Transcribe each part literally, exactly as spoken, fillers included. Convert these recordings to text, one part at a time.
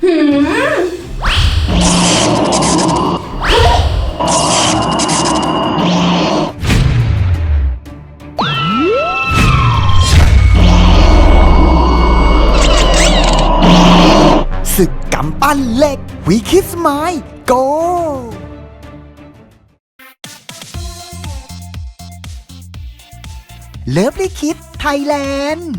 หืมศึกกำปั้นเหล็กวีคิสไมล์โกเลิฟลิคิดไทยแลนด์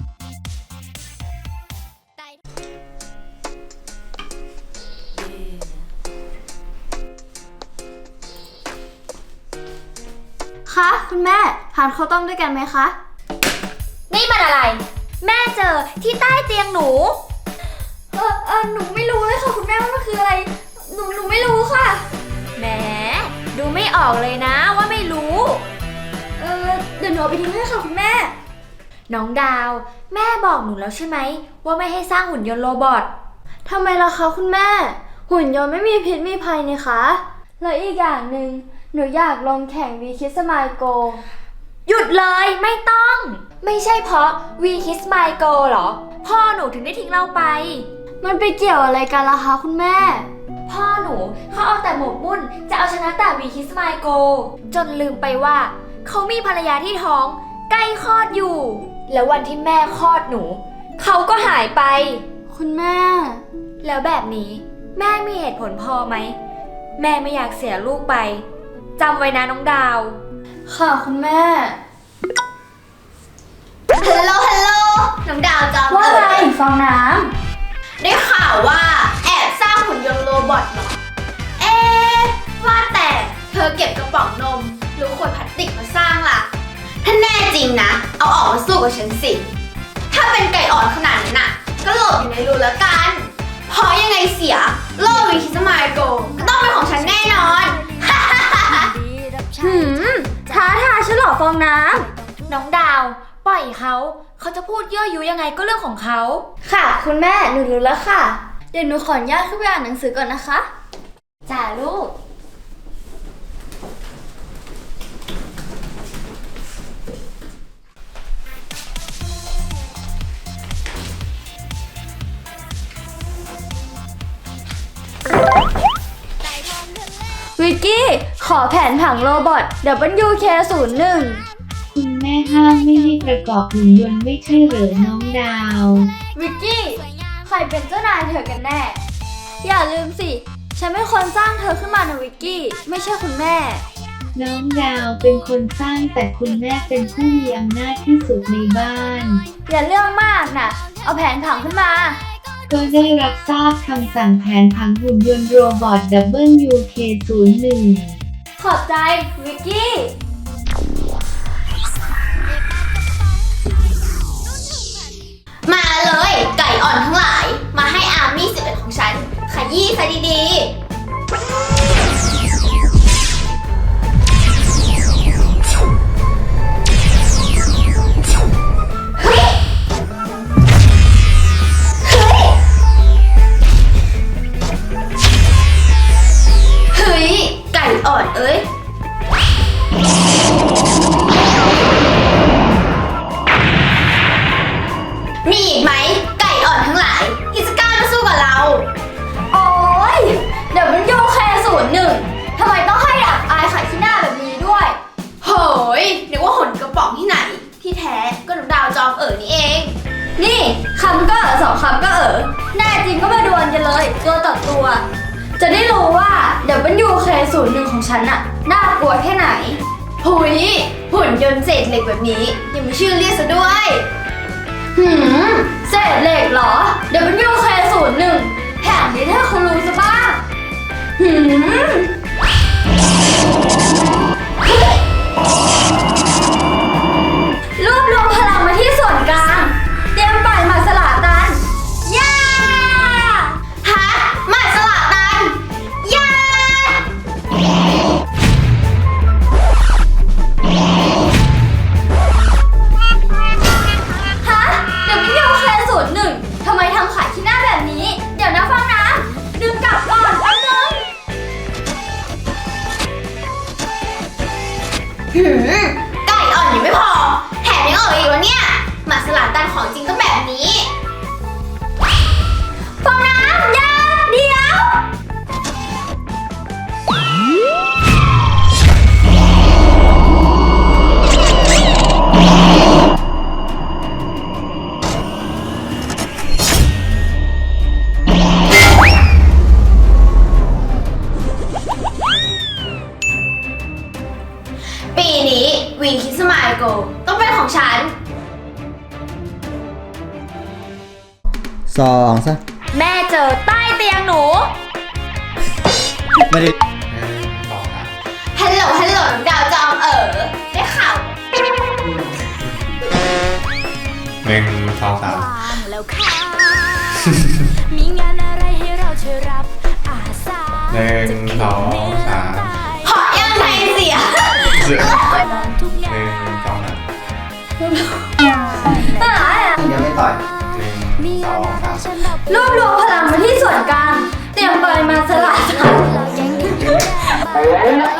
คะคุณแม่ทานข้าวต้มด้วยกันไหมคะนี่มันอะไรแม่เจอที่ใต้เตียงหนูเออเออหนูไม่รู้เลยค่ะคุณแม่ว่ามันคืออะไรหนูหนูไม่รู้ค่ะแหมดูไม่ออกเลยนะว่าไม่รู้เออเดี๋ยวหนูเอาไปทิ้งให้ค่ะคุณแม่น้องดาวแม่บอกหนูแล้วใช่ไหมว่าไม่ให้สร้างหุ่นยนต์โรบอททำไมล่ะคะคุณแม่หุ่นยนต์ไม่มีพิษมีภัยนี่คะแล้วอีกอย่างหนึ่งหนูอยากลงแข่งวีคิสมายโกหยุดเลยไม่ต้องไม่ใช่เพราะวีคิสมายโกหรอพ่อหนูถึงได้ทิ้งเราไปมันไปเกี่ยวอะไรกันล่ะคะคุณแม่พ่อหนูเขาเอาแต่หมกมุ่นจะเอาชนะแต่วีคิสมายโกจนลืมไปว่าเขามีภรรยาที่ท้องใกล้คลอดอยู่แล้ววันที่แม่คลอดหนูเขาก็หายไปคุณแม่แล้วแบบนี้แม่มีเหตุผลพอไหมแม่ไม่อยากเสียลูกไปจำไว้นะน้องดาวค่ะคุณแม่ฮัลโหลฮัลโหลน้องดาวจำว่าไงฟองน้ำได้ข่าวว่าแอบสร้างหุ่นยนต์โรบอทเหรอเอ๊ะว่าแต่เธอเก็บกระป๋องนมหรือขวดพลาสติกมาสร้างล่ะถ้าแน่จริงนะเอาออกมาสู้กับฉันสิถ้าเป็นไก่อ่อนขนาดนั้นน่ะก็หลบอยู่ในรูแล้วกันเพราะยังไงเสียโลวิคิสมายโกก็ต้องเป็นของฉันแน่นอนหืมท้าทายฉันเหรอฟองน้ำน้องดาวปล่อยเขาเขาจะพูดยั่วยุยังไงก็เรื่องของเขาค่ะคุณแม่หนูรู้แล้วค่ะเดี๋ยวหนูขออนุญาตขึ้นไปอ่านหนังสือก่อนนะคะจ้าลูกวิกกี้ขอแผนผังโรบอท ดับเบิลยู เค ศูนย์ หนึ่งคุณแม่ห้ามไม่ให้ประกอบหุ่นยนต์ไม่ใช่เหรอน้องดาววิกกี้ใครเป็นเจ้านายเธอกันแน่อย่าลืมสิฉันเป็นคนสร้างเธอขึ้นมานะวิกกี้ไม่ใช่คุณแม่น้องดาวเป็นคนสร้างแต่คุณแม่เป็นผู้มีอำนาจที่สุดในบ้านอย่าเรื่องมากนะเอาแผนผังขึ้นมาก็ได้รับทราบคำสั่งแผนผังหุ่นยนต์โรบอท ดับเบิลยู เค ศูนย์ หนึ่งขอบใจวิกกี้มาเลยไก่อ่อนทั้งหลายมาให้อาร์มี่สิบเอ็ดของฉันขยี้ซะดีๆอ่อนเอ้ยมีอีกไหมไก่อ่อนทั้งหลายที่จะกล้ามาสู้กับเราโอ๊ยเดี๋ยวมันโยแคศูนย์หนึ่งทำไมต้องให้อับอายขายขี้หน้าแบบนี้ด้วยโหยนึกว่าหนกระป๋องที่ไหนที่แท้ก็หนูดาวจอมเอ๋อนี่เองนี่คำก็เอ๋อสองคำก็เอ๋อแน่จริงก็มาดวลกันเลยตัวต่อตัวจะได้รู้ว่า ดับเบิลยู เค ศูนย์ หนึ่ง ของฉันน่ะน่ากลัวแค่ไหนหุยหุ่นยนต์เศษเหล็กแบบนี้ยังมีชื่อเรียกซะด้วยหืมเศษเหล็กเหรอ ดับเบิลยู เค ศูนย์ หนึ่ง แถมนี้ถ้าคุณรู้ซะบ้างหืมรวบรวมพลังมาที่ส่วนกลางเตรียมปล่อยหมัดสลาตันย่าฮะหมัดสลาตันย่าฮะ ดับเบิลยู เค ศูนย์ หนึ่ง ทำไมทำขายขี้หน้าแบบนี้เดี๋ยวนะฟังนะดึงกลับก่อนแป๊บนึงหืมไก่อ่อนยังไม่พอแถมยังเอ่ยอีกวะเนี่ยหมัดสลาตันของจริงต้องแบบนี้ฟังนะย่าสองซะแม่เจอใต้เตียงหนูไม่ได้ฮัลโหลฮัลโหลดาวจอมเอ๋อได้ข่าวหนึ่งสองสามแล้วค่ะ มีงานอะไรให้เราช่วยรับอาสาหนึ่งสองสามเพราะยังไงเสียหนึ่งทุกงาสองสามยังไม่ต่อยหนึ่งมีสงาอน งอะไรสามฉันรับรวบรวมพลังมาที่ส่วนกลาง เตรียมเปิดมาสลัดเราแย่งกันอยู่แน่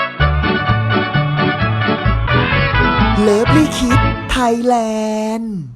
เลิฟลี่คิดไทยแลนด์